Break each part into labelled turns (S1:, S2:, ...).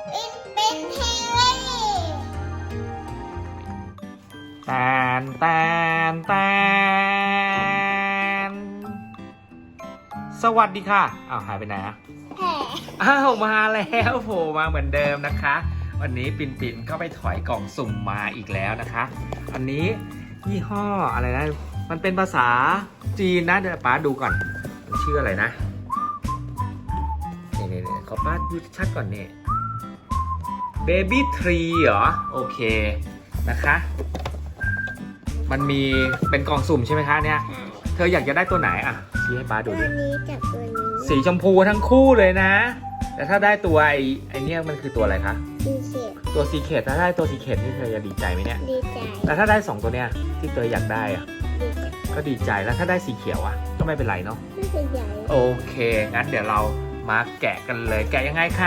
S1: เป็นเทเล
S2: แตนแตนแตนสวัสดีค่ะอ้าวหายไปไหนอะ
S1: แผ่
S2: อ้าวมาแล้วโผล่มาเหมือนเดิมนะคะ วันนี้ปิ่นก็ไปถอยกล่องสุ่มมาอีกแล้วนะคะ อันนี้ยี่ห้ออะไรนะมันเป็นภาษาจีนนะเดี๋ยวป้าดูก่อนมันชื่ออะไรนะนี่ขอป้าดูชัดก่อนนี่ Baby Tree เหรอโอเคนะคะ มันมีเป็นกล่องสุ่มใช่ไหมคะเนี่ยเธออยากจะได้ตัวไหนอ่ะชี้ให้ป้าดู
S1: ตัว
S2: ดิ
S1: นี้กับตัวนี้
S2: สีชมพูทั้งคู่เลยนะ แต่ถ้าได้ตัวไอเนี่ยมันคือตัวอะไรคะ
S1: ดีเสีย
S2: ตัวซีเคทถ้าได้ตัวซีเคทนี่เธอจะดีใจไหมเนี่ย
S1: ดีใจ
S2: แต่ถ้าได้2ตัวเนี้ยที่เธออยากได้อะ
S1: ดีใจ
S2: ก็ดีใจแล้วถ้าได้สีเขียวอะก็ไม่เป็นไรเนาะ
S1: น่าจะใหญ่
S2: โอเคงั้นเดี๋ยวเรามาแกะกันเลยแกะยังไงคะ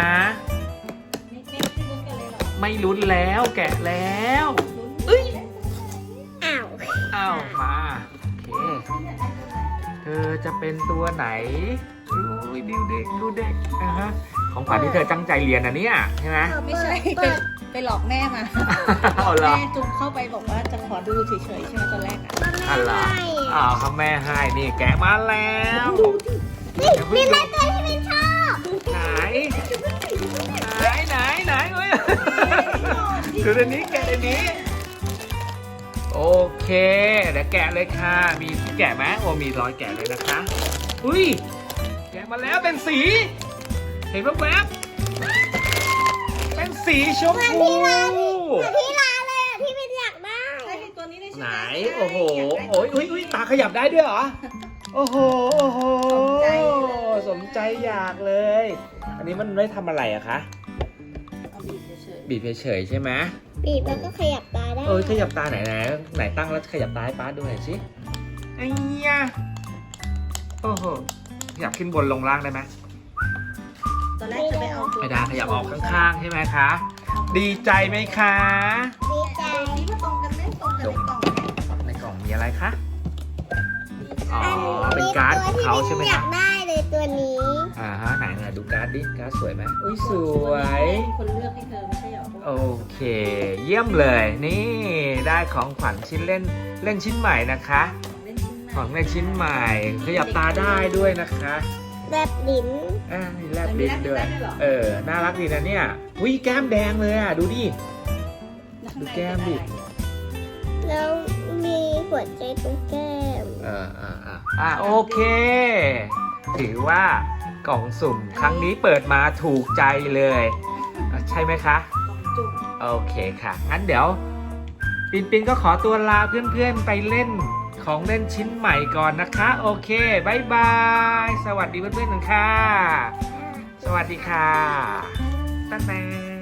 S2: ไม่ลุ้นแล้วแกะแล้วเอ้ย
S1: อ้าว
S2: อ้าวมาโอเคเธอจะเป็นตัวไหนอุ้ยดูเด็กดูเด็กนะฮะของขวัญที่เธอตั้งใจเรียนนะเนี่ยใช่ไหม
S3: ไม่ใช่
S1: เปิด
S3: ไปหลอกแม่มา
S2: เอาเหรอ
S3: แม่จุ๊บเข้าไปบอกว่าจะขอดูเฉยๆใช่ไหมตอนแรกอ่ะ
S2: อันเหรออ้าวเขาแม่ให้นี่แกะมาแล้ว
S1: นี่มีอะไรตัวที่ไม่ชอบ
S2: ไหนไหนเอ้ยดูในนี้แกะในนี้โอเคเดี๋ยวแกะเลยค่ะมีแกะไหมโอ้มีรอยแกะเลยนะคะอุ้ยแกะมาแล้วเป็นสี เห็นแวบๆเป็นสีชมพู
S1: เหมือนที่ร้านเลยอ่ะที่เป็นอยากได้
S3: ใช่ตัวนี้ได้ใช่
S2: ไห
S3: ไห
S2: น
S3: ม
S2: โอ้โหโอ้ยอุ้ยตาขยับได้ด้วยเหรอโอ้โหสมใจอยากเลย อันนี้มันไม่ทำอะไรอะคะ
S3: เอาบีบเฉย
S2: บีบเฉยๆใช่ไหม
S1: บีบแล้วก็ขยับตาได้
S2: ขยับตาไหนตั้งแล้วขยับตาให้ป้าดูหน่อยสิไอ้ยะโอ้โหอยากขึ้นบนลงล่างได้ไหม
S3: ๆตอนแรกจะไปเอาตัว
S2: ไม่ได้ขยับออกข้างๆใช่ไหมคะ ดีใจไหมคะ
S1: ดีใจ
S3: ตัวนี้มันตรงกันไหมตรงกันในกล่องไหม
S2: ในกล่องมีอะไรคะ อ๋อ เป็นการ์ดของเขาใช่ไหม
S1: อยา
S2: คะ
S1: กได้เลยตัวนี้
S2: ไหนดูการ์ดดิ การ์ดสวยไหมอุ้ยสวย
S3: คนเลือกให้เธอไม่ใช่เหรอ
S2: โอเค เยี่ยมเลย นี่ได้ของขวัญชิ้นเล่นชิ้นใหม่นะคะ
S3: เล่นชิ้น
S2: ของเล่นชิ้นใหม่ ขยับตาได้ด้วยนะคะ
S1: แบบลิ้น
S2: มีแลบลิ้นด้วย น่ารักดีนะเนี่ยอุ้ยแก้มแดงเลยอ่ะ ดูดิ ดูแก้มดิ
S1: แล้วมีหัวใจตรงแก้ม
S2: โอเค ถือว่ากล่องสุ่มครั้งนี้เปิดมาถูกใจเลยใช่ไหมคะ
S3: จุ่ม
S2: โอเคค่ะ งั้นเดี๋ยวปินก็ขอตัวลาเพื่อนๆไปเล่นของเล่นชิ้นใหม่ก่อนนะคะ โอเคบายบาย สวัสดีเพื่อนๆกันค่ะ สวัสดีค่ะตั้งแต่